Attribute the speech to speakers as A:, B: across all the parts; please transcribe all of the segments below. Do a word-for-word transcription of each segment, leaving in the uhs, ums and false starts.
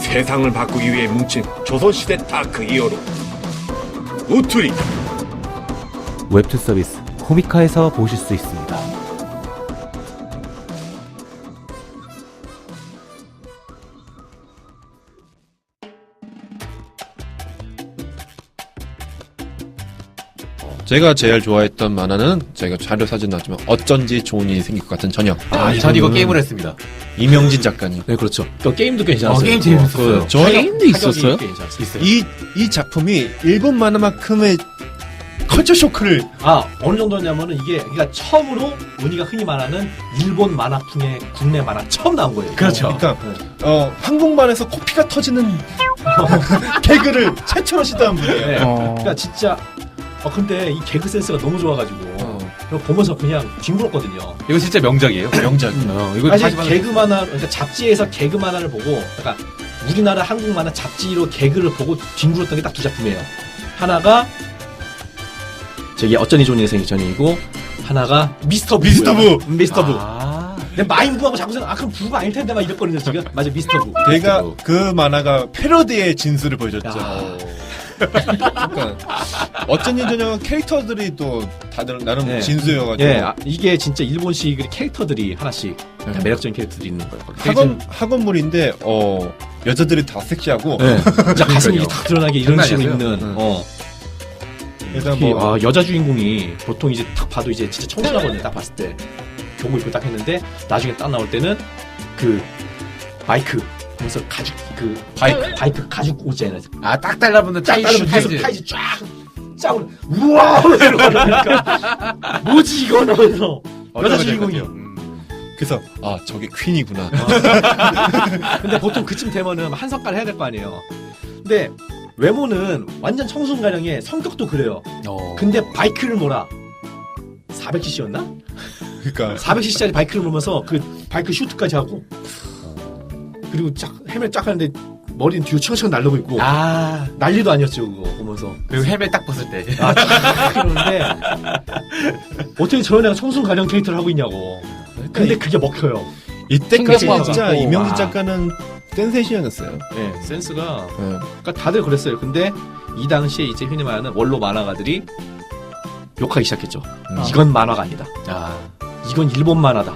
A: 세상을 바꾸기 위해 뭉친 조선시대 다크 히어로 우투리.
B: 웹툰 서비스 코미카에서 보실 수 있습니다.
C: 제가 제일 좋아했던 만화는 제가 자료 사진 나왔지만 어쩐지 좋은 일이 생길 것 같은 저녁.
D: 아, 전 이거 게임을 했습니다.
C: 이명진 작가님.
D: 네, 그렇죠. 또 게임도 괜찮았어요.
C: 어, 게임 재밌었어요.
D: 그,
C: 저희
D: 게임도 있었어요? 있어요.
C: 이, 이 작품이 일본 만화만큼의 컬처 쇼크를.
E: 아, 어느 정도냐면은 이게, 그러니까 처음으로 우리가 흔히 말하는 일본 만화풍의 국내 만화 처음 나온 거예요.
D: 그렇죠.
C: 그러니까, 어, 한국만에서 코피가 터지는 개그를 최초로 시도한 분이에요.
E: 네.
B: 어...
E: 그러니까 진짜, 어, 근데 이 개그 센스가 너무 좋아가지고,
C: 어.
E: 그거 보면서 그냥 뒹굴었거든요.
D: 이거 진짜 명작이에요.
C: 명작.
D: 어, 이거
E: 사실
D: 하지만
E: 개그 만화, 그러니까 잡지에서 개그 만화를 보고, 그러니까 우리나라 한국 만화 잡지로 개그를 보고 뒹굴었던 게 딱 두 작품이에요. 하나가 저기 어쩐이 좋은 인생이 전이고, 하나가 미스터 부.
C: 미스터 부.
E: 미스터 부.
D: 아,
E: 내 마인부하고 자꾸 생각, 아 그럼 부가 아닐 텐데 막 이랬거든요 지금. 맞아, 미스터 부.
C: 걔가
D: 미스터 부.
C: 그 만화가 패러디의 진수를 보여줬죠.
E: 야.
C: 그러니까 어쩐지 저녁 캐릭터들이 또 다들 나름
E: 네.
C: 진수여가지고.
E: 예, 아, 이게 진짜 일본식 캐릭터들이 하나씩 다 매력적인 캐릭터들이 있는 거예요.
C: 학원 학원물인데 어 여자들이 다 섹시하고.
E: 네. 진짜 가슴이 이렇게 다 드러나게 이런
D: 장난
E: 식으로
D: 아니었어요.
E: 입는.
C: 응.
E: 어.
C: 일단
E: 특히,
C: 뭐
E: 아, 여자 주인공이 보통 이제 딱 봐도 이제 진짜 청순하거든요. 딱 봤을 때 교복 입고 딱 했는데 나중에 딱 나올 때는 그 마이크 보면서 가죽 그 바이크 바이크 가죽 옷 있잖아요.
D: 아, 딱 달라붙는
E: 쫙
D: 타이즈.
E: 따르면 계속 타이즈 쫙 짜고 우와 이러니까 뭐지 이거는 그래서 여자 주인공이.
C: 그래서 아 저게 퀸이구나.
E: 근데 보통 그쯤 되면은 한석가를 해야 될 거 아니에요. 근데 외모는 완전 청순가령에 성격도 그래요.
D: 어.
E: 근데 바이크를 몰아. 사백 씨씨였나?
C: 그러니까
E: 사백 씨씨짜리 바이크를 몰면서 그 바이크 슈트까지 하고 그리고 쫙 헬멧 쫙 하는데 머리는 뒤로 청청 날르고 있고
D: 아,
E: 난리도 아니었죠 그거 보면서.
D: 그리고 헬멧 딱 벗을 때.
E: 아, 쫙 그러는데 어떻게 저런 애가 청순가령 캐릭터를 하고 있냐고. 근데 그게 먹혀요.
C: 이때까지
E: 신기하다.
C: 진짜
E: 오,
C: 이명진
E: 와.
C: 작가는 센세이션이었어요.
E: 네, 센스가.
C: 네.
E: 그러니까 다들 그랬어요. 근데 이 당시에 이제 흔히 말하는 원로 만화가들이 욕하기 시작했죠.
C: 음.
E: 이건 만화가 아니다.
D: 아,
E: 이건 일본 만화다.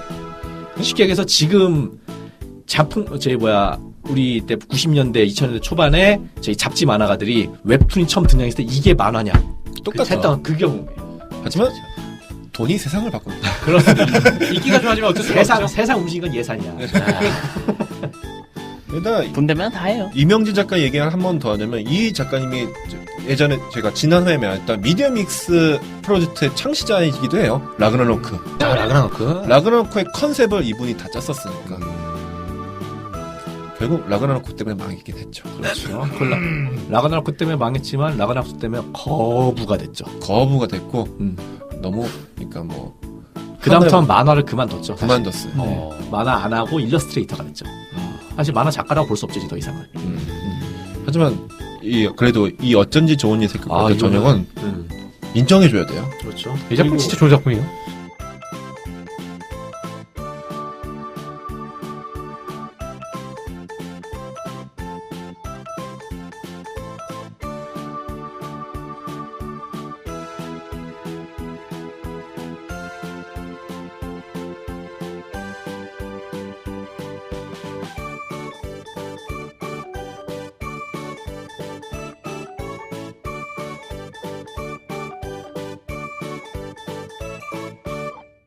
E: 쉽게 얘기해서 지금 작품, 저희 뭐야, 우리 때 구십 년대, 이천 년대 초반에 저희 잡지 만화가들이 웹툰이 처음 등장했을 때 이게 만화냐.
C: 똑같아.
E: 했던 그 경우.
C: 하지만 돈이 세상을 바꾼다.
D: 인기가 좋아지면 어쩔 수가
E: 세상,
D: 없죠.
E: 세상 움직인 건 예산이야.
C: 일단
B: 분대면 다 해요.
C: 이명진 작가 얘기를 한 번 더 하자면 이 작가님이 예전에 제가 지난 회에 말했던 미디어믹스 프로젝트의 창시자이기도 해요. 라그나로크.
D: 아, 라그나노크.
C: 라그나로크의 컨셉을 이분이 다 짰었으니까. 결국 라그나로크 때문에 망했긴 했죠.
E: 그렇죠. 그 라, 라가나로크 때문에 망했지만 라가나로크 때문에 거부가 됐죠.
C: 거부가 됐고
E: 음.
C: 너무 그러니까 뭐
E: 그다음부터는 만화를 그만뒀죠. 사실.
C: 그만뒀어요.
E: 어, 만화 안 하고 일러스트레이터가 됐죠. 사실 만화 작가라고 볼 수 없지 더 이상은.
C: 음. 하지만 이 그래도 이 어쩐지 좋은 일 생길 것
E: 아,
C: 같은
E: 이거는-
C: 전형은
E: 음,
C: 인정해줘야 돼요.
E: 그렇죠.
D: 이 작품
E: 그리고
D: 진짜 좋은 작품이에요.